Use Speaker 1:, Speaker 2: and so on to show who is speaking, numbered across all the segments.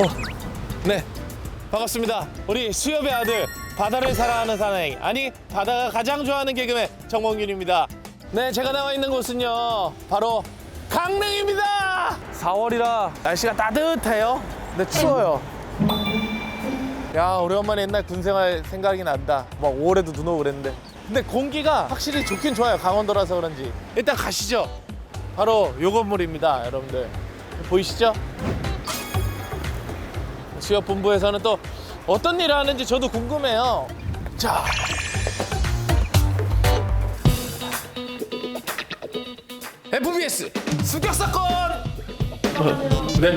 Speaker 1: 네, 반갑습니다. 우리 수협의 아들, 바다를 사랑하는 사나이, 아니 바다가 가장 좋아하는 개그맨 정몽균입니다. 네, 제가 나와 있는 곳은요, 바로 강릉입니다. 4월이라 날씨가 따뜻해요. 근데 추워요. 야, 오래간만에 옛날 군생활 생각이 난다. 막 5월에도 눈 오고 그랬는데. 근데 공기가 확실히 좋긴 좋아요. 강원도라서 그런지. 일단 가시죠. 바로 요 건물입니다, 여러분들. 보이시죠? 수협본부에서는 또 어떤 일을 하는지 저도 궁금해요. 자, FBS 습격 사건. 네.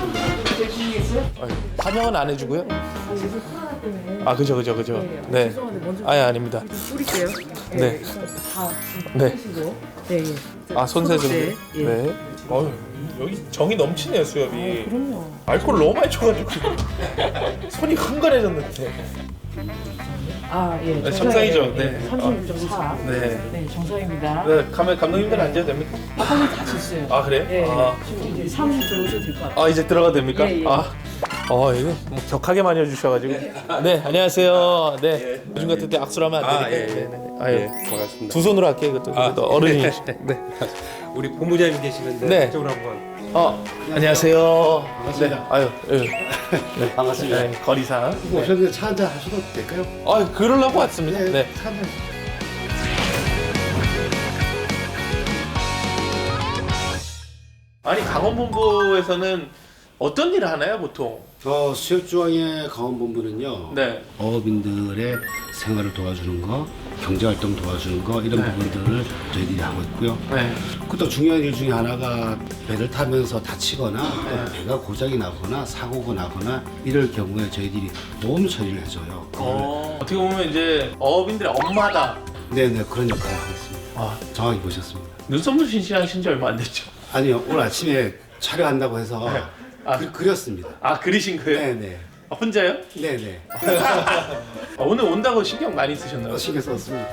Speaker 1: 환영은 안 해주고요. 아, 그죠. 네.
Speaker 2: 죄송한데 먼저
Speaker 1: 아니, 아닙니다.
Speaker 2: 뿌릴게요.
Speaker 1: 네.
Speaker 2: 다
Speaker 1: 네.
Speaker 2: 뿌리시고. 네, 예.
Speaker 1: 아, 손세 좀.
Speaker 2: 네, 예.
Speaker 1: 네. 어휴, 여기 정이 넘치네요, 수협이.
Speaker 2: 그럼요.
Speaker 1: 알코올 너무 많이 쳐가지고 손이 흥건해졌는데.
Speaker 2: 아, 예.
Speaker 1: 정상이죠? 네.
Speaker 2: 36.4.
Speaker 1: 네.
Speaker 2: 네, 정상입니다.
Speaker 1: 네, 감독님들 앉아도 됩니까?
Speaker 2: 한번 다 쳤어요.
Speaker 1: 아, 그래요?
Speaker 2: 네.
Speaker 1: 아.
Speaker 2: 지금 이제 사무실 들어오셔도 될 것 같아요.
Speaker 1: 아, 이제 들어가도 됩니까?
Speaker 2: 예, 예.
Speaker 1: 아, 이거 뭐 격하게 많이 해주셔가지고. 네, 안녕하세요. 네, 요즘 같은 때 악수를 하면 안 되니까. 네. 아, 예.
Speaker 3: 반갑습니다.
Speaker 1: 두 손으로 할게요. 이것도 그래도 어른이. 네.
Speaker 3: 우리 본부장님 계시는데
Speaker 1: 네.
Speaker 3: 이쪽으로 한번.
Speaker 1: 안녕하세요. 반갑습니다. 네, 아유, 네.
Speaker 4: 반갑습니다.
Speaker 1: 네, 거리상.
Speaker 4: 오셨는데 차 한잔 하셔도 될까요?
Speaker 1: 그러려고 왔습니다. 네.
Speaker 4: 차 한잔.
Speaker 1: 아니, 강원본부에서는 어떤 일을 하나요, 보통?
Speaker 4: 저 수협중앙의 강원본부는요.
Speaker 1: 네.
Speaker 4: 어업인들의 생활을 도와주는 거, 경제활동 도와주는 거 이런 부분들을 저희들이 하고 있고요.
Speaker 1: 네.
Speaker 4: 또 중요한 일 중에 하나가 배를 타면서 다치거나 또 배가 고장이 나거나 사고가 나거나 이럴 경우에 저희들이 보험 처리를 해줘요.
Speaker 1: 어떻게 보면 이제 어업인들의 엄마다.
Speaker 4: 네네 그런 역할을 하겠습니다.
Speaker 1: 아,
Speaker 4: 정확히 보셨습니다.
Speaker 1: 눈썹도 신신하신 지 얼마 안 됐죠?
Speaker 4: 아니요 오늘 아침에 촬영한다고 해서
Speaker 1: 아.
Speaker 4: 그렸습니다.
Speaker 1: 아, 그리신 거예요?
Speaker 4: 네네.
Speaker 1: 아, 혼자요?
Speaker 4: 네네.
Speaker 1: 오늘 온다고 신경 많이 쓰셨나요?
Speaker 4: 신경 썼습니다.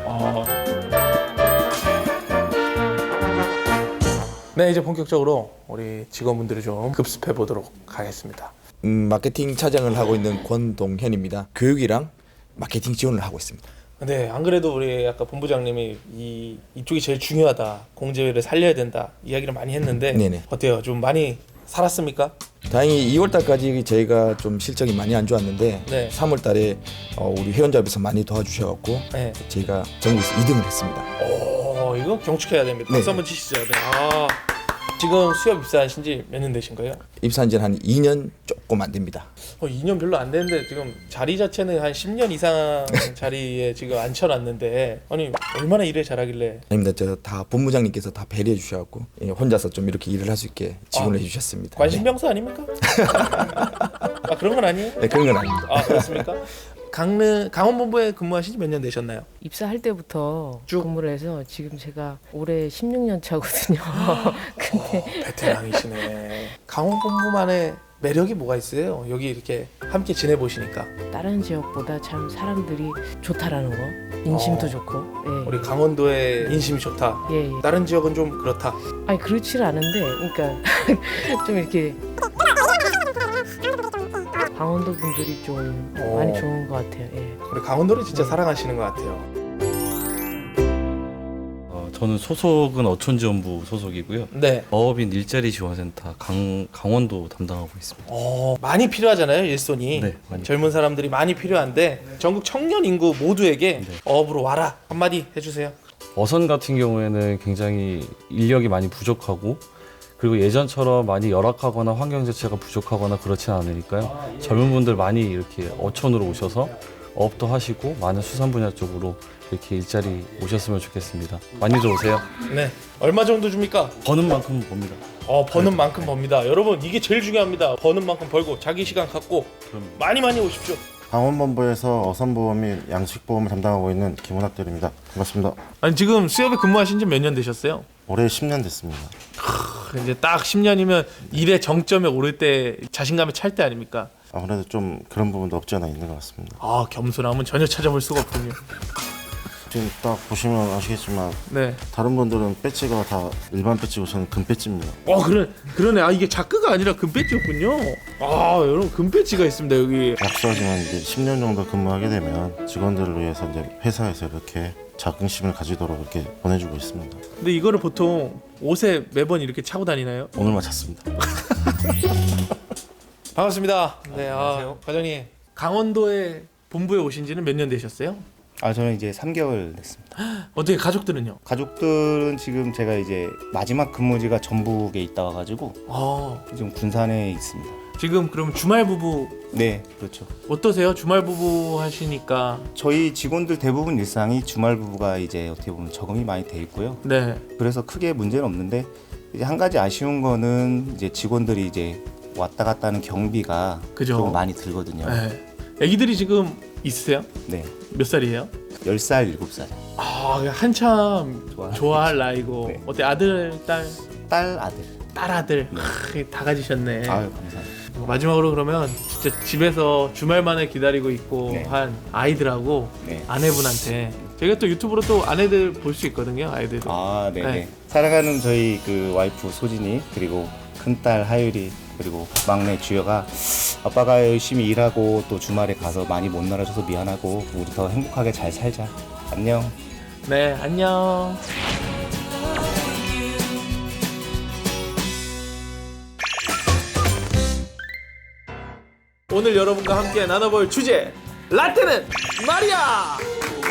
Speaker 1: 네, 이제 본격적으로 우리 직원분들을 좀 급습해 보도록 하겠습니다.
Speaker 5: 마케팅 차장을 하고 있는 권동현입니다. 교육이랑 마케팅 지원을 하고 있습니다.
Speaker 1: 네, 안 그래도 우리 아까 본부장님이 이쪽이 제일 중요하다, 공제를 살려야 된다 이야기를 많이 했는데
Speaker 5: 네네.
Speaker 1: 어때요? 좀 많이 살았습니까?
Speaker 5: 다행히 2월 달까지 저희가 좀 실적이 많이 안 좋았는데
Speaker 1: 네.
Speaker 5: 3월 달에 우리 회원잡에서 많이 도와주셔갖고
Speaker 1: 네.
Speaker 5: 저희가 전국에서 2등을 했습니다.
Speaker 1: 이거 경축해야 됩니다. 박수
Speaker 5: 네.
Speaker 1: 한번 치시죠. 네. 지금 수협 입사하신 지 몇 년 되신 거예요?
Speaker 5: 입사한 지는 한 2년 조금 안 됩니다.
Speaker 1: 2년 별로 안 됐는데 지금 자리 자체는 한 10년 이상 자리에 지금 앉혀놨는데 아니 얼마나 일을 잘하길래.
Speaker 5: 아닙니다. 저 다 본부장님께서 다 배려해 주셔갖고 혼자서 좀 이렇게 일을 할 수 있게 지원을 해주셨습니다.
Speaker 1: 관심병사 아닙니까? 아, 그런 건 아니에요?
Speaker 5: 네, 그런 건 아닙니다.
Speaker 1: 아, 그렇습니까? 강원본부에 근무하신 지 몇 년 되셨나요?
Speaker 2: 입사할 때부터
Speaker 1: 쭉?
Speaker 2: 근무를 해서 지금 제가 올해 16년 차거든요. 근데
Speaker 1: 베테랑이시네. 강원본부만의 매력이 뭐가 있어요? 여기 이렇게 함께 지내보시니까.
Speaker 2: 다른 지역보다 참 사람들이 좋다라는 거, 인심도 좋고. 예.
Speaker 1: 우리 강원도의 인심이 좋다.
Speaker 2: 예, 예.
Speaker 1: 다른 지역은 좀 그렇다.
Speaker 2: 아니 그렇지는 않은데, 그러니까 좀 이렇게 강원도 분들이 좀 많이 좋은 것 같아요. 예.
Speaker 1: 우리 강원도를 진짜 사랑하시는 것 같아요.
Speaker 6: 저는 소속은 어촌지원부 소속이고요.
Speaker 1: 네.
Speaker 6: 어업인 일자리 지원센터 강원도 담당하고 있습니다.
Speaker 1: 많이 필요하잖아요, 일손이.
Speaker 6: 네, 많이.
Speaker 1: 젊은 사람들이 많이 필요한데 전국 청년 인구 모두에게 어업으로 와라 한마디 해주세요.
Speaker 6: 어선 같은 경우에는 굉장히 인력이 많이 부족하고 그리고 예전처럼 많이 열악하거나 환경 자체가 부족하거나 그렇진 않으니까요. 젊은 분들 많이 이렇게 어촌으로 오셔서 어업도 하시고 많은 수산 분야 쪽으로 이렇게 일자리 오셨으면 좋겠습니다. 많이들 오세요.
Speaker 1: 네. 얼마 정도 줍니까?
Speaker 6: 버는 만큼 봅니다.
Speaker 1: 버는 만큼 법니다. 여러분, 이게 제일 중요합니다. 버는 만큼 벌고 자기 시간 갖고 많이 오십시오.
Speaker 7: 강원본부에서 어선보험 및 양식보험을 담당하고 있는 김원학들입니다. 반갑습니다.
Speaker 1: 아니, 지금 수협에 근무하신 지 몇 년 되셨어요?
Speaker 7: 올해 10년 됐습니다.
Speaker 1: 이제 딱 10년이면 일의 정점에 오를 때 자신감에 찰 때 아닙니까?
Speaker 7: 아무래도 좀 그런 부분도 없지 않아 있는 것 같습니다.
Speaker 1: 겸손함은 전혀 찾아볼 수가 없군요.
Speaker 7: 지금 딱 보시면 아시겠지만
Speaker 1: 네.
Speaker 7: 다른 분들은 배지가 다 일반 배지고 저는 금 배지입니다.
Speaker 1: 그러네. 아, 이게 자크가 아니라 금 배지였군요. 아, 여러분 금 배지가 있습니다 여기.
Speaker 7: 약소하지만 이제 10년 정도 근무하게 되면 직원들을 위해서 이제 회사에서 이렇게 자긍심을 가지도록 이렇게 보내주고 있습니다.
Speaker 1: 근데 이거를 보통 옷에 매번 이렇게 차고 다니나요?
Speaker 7: 오늘만 찼습니다.
Speaker 1: 반갑습니다. 네, 과장님. 강원도에 본부에 오신 지는 몇 년 되셨어요?
Speaker 8: 저는 이제 3개월 됐습니다.
Speaker 1: 어떻게 가족들은요?
Speaker 8: 가족들은 지금 제가 이제 마지막 근무지가 전북에 있다 와가지고 지금 군산에 있습니다.
Speaker 1: 지금 그럼 주말 부부
Speaker 8: 네, 그렇죠.
Speaker 1: 어떠세요? 주말 부부 하시니까.
Speaker 8: 저희 직원들 대부분 일상이 주말 부부가 이제 어떻게 보면 적응이 많이 돼 있고요.
Speaker 1: 네.
Speaker 8: 그래서 크게 문제는 없는데 이제 한 가지 아쉬운 거는 이제 직원들이 이제 왔다 갔다 하는 경비가
Speaker 1: 그죠.
Speaker 8: 좀 많이 들거든요.
Speaker 1: 네. 아기들이 지금 있으세요?
Speaker 8: 네,
Speaker 1: 몇 살이에요?
Speaker 8: 10살, 7살.
Speaker 1: 아, 한참 좋아할 나이고.
Speaker 8: 네.
Speaker 1: 어때? 아들, 딸,
Speaker 8: 딸, 아들.
Speaker 1: 딸 아들. 다 가지셨네.
Speaker 8: 아유, 감사합니다.
Speaker 1: 마지막으로 그러면 진짜 집에서 주말만에 기다리고 있고
Speaker 8: 네.
Speaker 1: 한 아이들하고
Speaker 8: 네.
Speaker 1: 아내분한테 저희가 또 유튜브로 또 아내들 볼 수 있거든요. 아이들도.
Speaker 8: 네네.
Speaker 1: 네.
Speaker 8: 사랑하는 저희 그 와이프 소진이 그리고 큰딸 하율이 그리고 막내 주여가 아빠가 열심히 일하고 또 주말에 가서 많이 못 놀아줘서 미안하고 우리 더 행복하게 잘 살자. 안녕.
Speaker 1: 네, 안녕. 오늘 여러분과 함께 나눠볼 주제, 라떼는 말이야.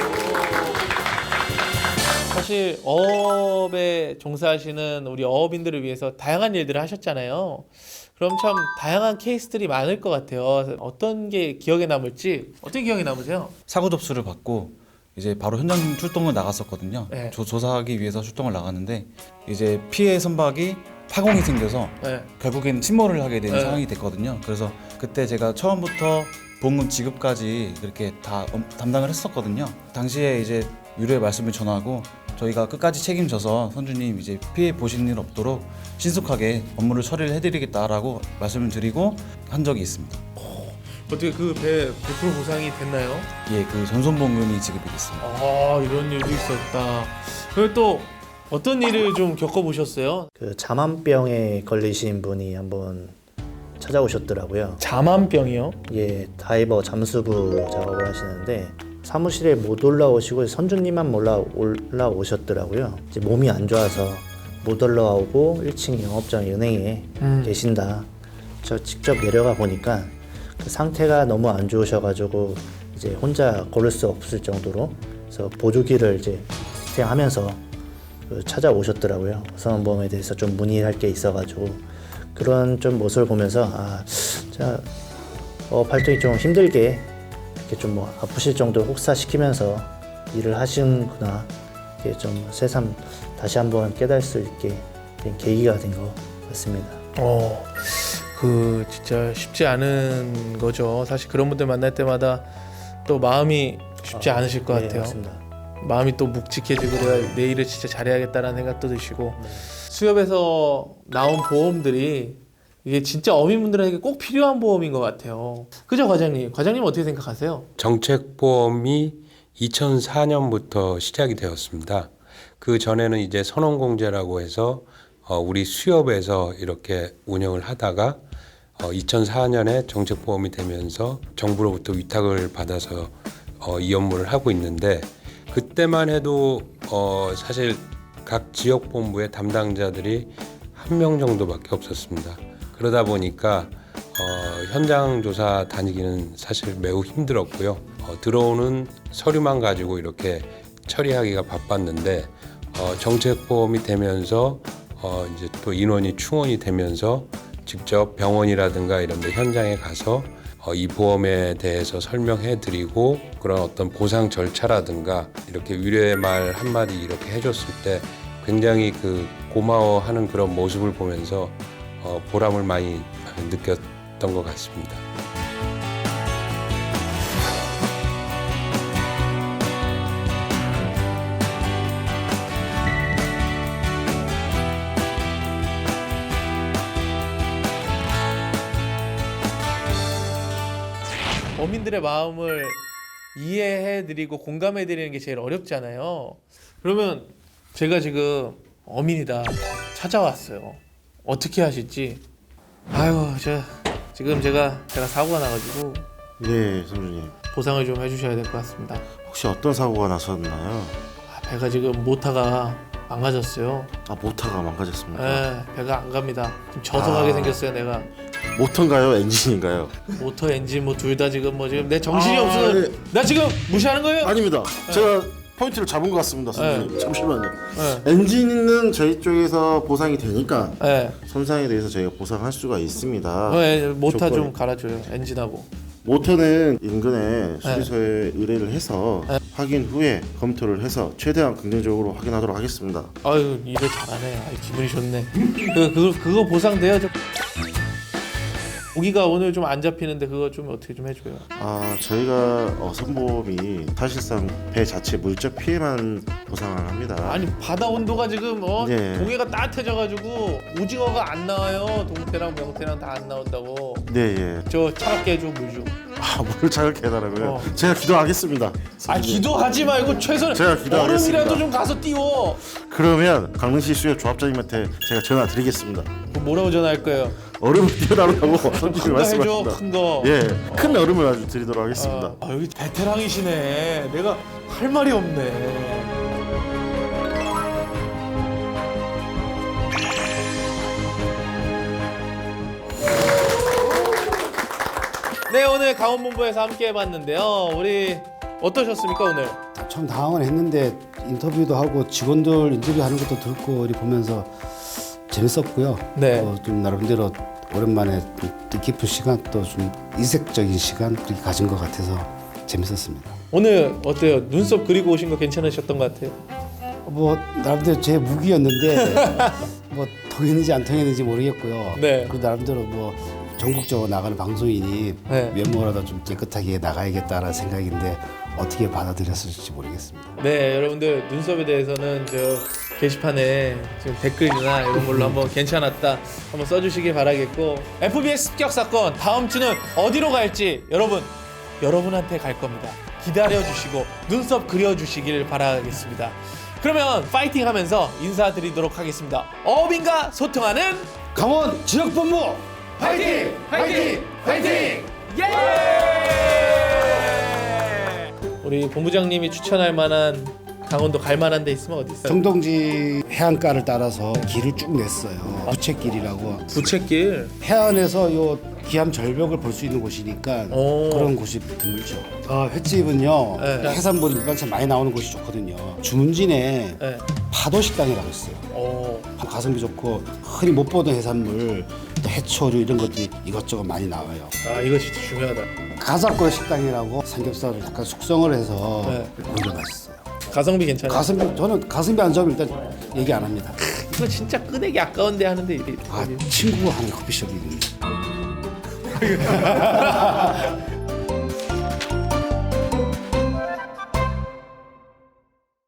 Speaker 1: 사실 어업에 종사하시는 우리 어업인들을 위해서 다양한 일들을 하셨잖아요. 그럼 참 다양한 케이스들이 많을 것 같아요. 어떤 게 기억에 남을지. 어떤 기억에 남으세요?
Speaker 9: 사고 접수를 받고 이제 바로 현장 출동을 나갔었거든요.
Speaker 1: 네.
Speaker 9: 조사하기 위해서 출동을 나갔는데 이제 피해 선박이 파공이 생겨서
Speaker 1: 네.
Speaker 9: 결국엔 침몰을 하게 된
Speaker 1: 네.
Speaker 9: 상황이 됐거든요. 그래서 그때 제가 처음부터 보험금 지급까지 그렇게 다 담당을 했었거든요. 당시에 이제 유료의 말씀을 전하고 저희가 끝까지 책임져서 선주님 이제 피해 보시는 일 없도록 신속하게 업무를 처리를 해드리겠다라고 말씀을 드리고 한 적이 있습니다.
Speaker 1: 어떻게 그 배 100% 보상이 됐나요?
Speaker 9: 예, 그 전손보험금이 지급이 됐습니다.
Speaker 1: 아, 이런 일도 있었다. 그리고 또 어떤 일을 좀 겪어보셨어요?
Speaker 10: 그 자만병에 걸리신 분이 한번 찾아오셨더라고요.
Speaker 1: 자만병이요?
Speaker 10: 예, 다이버 잠수부 작업을 하시는데 사무실에 못 올라오시고 선주님만 올라오셨더라고요. 이제 몸이 안 좋아서 못 올라오고 1층 영업장 은행에 계신다. 저 직접 내려가 보니까 그 상태가 너무 안 좋으셔가지고 이제 혼자 걸을 수 없을 정도로 그래서 보조기를 이제 시행하면서 찾아오셨더라고요. 선원보험에 대해서 좀 문의할 게 있어가지고 그런 좀 모습을 보면서 자 활동이 좀 힘들게 이렇게 좀 뭐 아프실 정도로 혹사시키면서 일을 하시는구나. 이게 좀 새삼 다시 한번 깨달을 수 있게 된 계기가 된 것 같습니다.
Speaker 1: 그 진짜 쉽지 않은 거죠. 사실 그런 분들 만날 때마다 또 마음이 쉽지 않으실 것 같아요.
Speaker 10: 맞습니다.
Speaker 1: 마음이 또 묵직해지고 내가 내일을 진짜 잘해야겠다라는 생각도 드시고 수협에서 나온 보험들이 이게 진짜 어민분들에게 꼭 필요한 보험인 것 같아요. 그죠, 과장님? 과장님 어떻게 생각하세요?
Speaker 11: 정책보험이 2004년부터 시작이 되었습니다. 그 전에는 이제 선원공제라고 해서 우리 수협에서 이렇게 운영을 하다가 2004년에 정책보험이 되면서 정부로부터 위탁을 받아서 이 업무를 하고 있는데 그때만 해도 사실 각 지역본부의 담당자들이 1명 정도밖에 없었습니다. 그러다 보니까 현장 조사 다니기는 사실 매우 힘들었고요. 들어오는 서류만 가지고 이렇게 처리하기가 바빴는데 정책보험이 되면서 이제 또 인원이 충원이 되면서 직접 병원이라든가 이런 데 현장에 가서 이 보험에 대해서 설명해 드리고 그런 어떤 보상 절차라든가 이렇게 위로의 말 한마디 이렇게 해줬을 때 굉장히 그 고마워하는 그런 모습을 보면서 보람을 많이 느꼈던 것 같습니다.
Speaker 1: 어민들의 마음을 이해해드리고 공감해드리는 게 제일 어렵잖아요. 그러면 제가 지금 어민이다 찾아왔어요. 어떻게 하실지. 아유, 지금 제가 사고가 나가지고
Speaker 7: 네, 선주님.
Speaker 1: 보상을 좀 해주셔야 될 것 같습니다.
Speaker 7: 혹시 어떤 사고가 나셨나요?
Speaker 1: 배가 지금 모터가 망가졌어요.
Speaker 7: 아, 모터가 망가졌습니까?
Speaker 1: 네, 배가 안 갑니다. 지금 져서 가게 생겼어요, 내가.
Speaker 7: 모터인가요? 엔진인가요?
Speaker 1: 모터, 엔진 뭐 둘 다 지금 지금 내 정신이 없어.
Speaker 7: 네.
Speaker 1: 나 지금 무시하는 거예요?
Speaker 7: 아닙니다. 제가 포인트를 잡은 것 같습니다, 선생님. 잠시만요.
Speaker 1: 네.
Speaker 7: 엔진은 저희 쪽에서 보상이 되니까
Speaker 1: 네.
Speaker 7: 손상에 대해서 저희가 보상할 수가 있습니다.
Speaker 1: 모터
Speaker 7: 조건이.
Speaker 1: 좀 갈아줘요, 엔진하고.
Speaker 7: 모터는 인근에 수리소에 의뢰를 해서 확인 후에 검토를 해서 최대한 긍정적으로 확인하도록 하겠습니다.
Speaker 1: 아유, 일을 잘하네. 아유, 기분이 좋네. 그거 보상돼요. 고기가 오늘 좀 안 잡히는데 그거 좀 어떻게 좀 해줘요.
Speaker 7: 아, 저희가 선보험이 사실상 배 자체 물적 피해만 보상을 합니다.
Speaker 1: 아니, 바다 온도가 지금
Speaker 7: 네.
Speaker 1: 동해가 따뜻해져가지고 오징어가 안 나와요. 동태랑 명태랑 다 안 나온다고.
Speaker 7: 네, 예.
Speaker 1: 저 차갑게 해줘, 물 좀.
Speaker 7: 아, 뭘 차갑게 해달라고요? 제가 기도하겠습니다.
Speaker 1: 아, 기도하지 말고 최소한
Speaker 7: 제가 기도하겠습니다.
Speaker 1: 얼음이라도 좀 가서 띄워.
Speaker 7: 그러면 강릉시 수협 조합장님한테 제가 전화 드리겠습니다.
Speaker 1: 뭐라고 전화할 거예요?
Speaker 7: 얼음을 띄워달라고 선생님이
Speaker 1: 큰 거 해줘,
Speaker 7: 말씀하십니다.
Speaker 1: 큰 거.
Speaker 7: 예, 큰 얼음을 아주 드리도록 하겠습니다.
Speaker 1: 여기 베테랑이시네. 내가 할 말이 없네. 네, 오늘 강원본부에서 함께 해봤는데요. 우리 어떠셨습니까, 오늘?
Speaker 4: 참 당황은 했는데 인터뷰도 하고 직원들 인터뷰하는 것도 듣고 이렇게 보면서 재밌었고요.
Speaker 1: 네.
Speaker 4: 좀 나름대로 오랜만에 좀 뜻깊은 시간 또 좀 이색적인 시간 그렇게 가진 것 같아서 재밌었습니다.
Speaker 1: 오늘 어때요? 눈썹 그리고 오신 거 괜찮으셨던 것 같아요?
Speaker 4: 뭐 나름대로 제 무기였는데 뭐 통했는지 안 통했는지 모르겠고요.
Speaker 1: 네.
Speaker 4: 그리고 나름대로 뭐 전국적으로 나가는 방송인이
Speaker 1: 네.
Speaker 4: 외모라도 좀 깨끗하게 나가야겠다라는 생각인데 어떻게 받아들였을지 모르겠습니다.
Speaker 1: 네, 여러분들 눈썹에 대해서는 저 게시판에 지금 댓글이나 이런 걸로 한번 괜찮았다 한번 써주시길 바라겠고, FBS 습격 사건 다음 주는 어디로 갈지 여러분한테 갈 겁니다. 기다려주시고 눈썹 그려주시길 바라겠습니다. 그러면 파이팅 하면서 인사드리도록 하겠습니다. 어민과 소통하는
Speaker 4: 강원 지역본부
Speaker 1: 파이팅! 파이팅! 파이팅! 예! 우리 본부장님이 추천할 만한 강원도 갈 만한 데 있으면 어디 있어요?
Speaker 4: 정동지 해안가를 따라서 길을 쭉 냈어요. 부채길이라고.
Speaker 1: 부채길.
Speaker 4: 해안에서 요 기암 절벽을 볼 수 있는 곳이니까 그런 곳이 드물죠. 횟집은요.
Speaker 1: 네.
Speaker 4: 해산물이 일반적으로 많이 나오는 곳이 좋거든요. 주문진에
Speaker 1: 네.
Speaker 4: 파도 식당이라고 있어요. 가성비 좋고 흔히 못 보던 해산물, 또 해초류 이런 것들이 이것저것 많이 나와요.
Speaker 1: 아, 이거 진짜 중요하다.
Speaker 4: 가사골 식당이라고 삼겹살을 약간 숙성을 해서
Speaker 1: 네.
Speaker 4: 고기가 맛있어요.
Speaker 1: 가성비 괜찮아요?
Speaker 4: 저는 가성비 안 좋으면 일단 얘기 안 합니다.
Speaker 1: 이거 진짜 끄내기 아까운데 하는데 이게
Speaker 4: 친구가 하는 커피숍이 있는데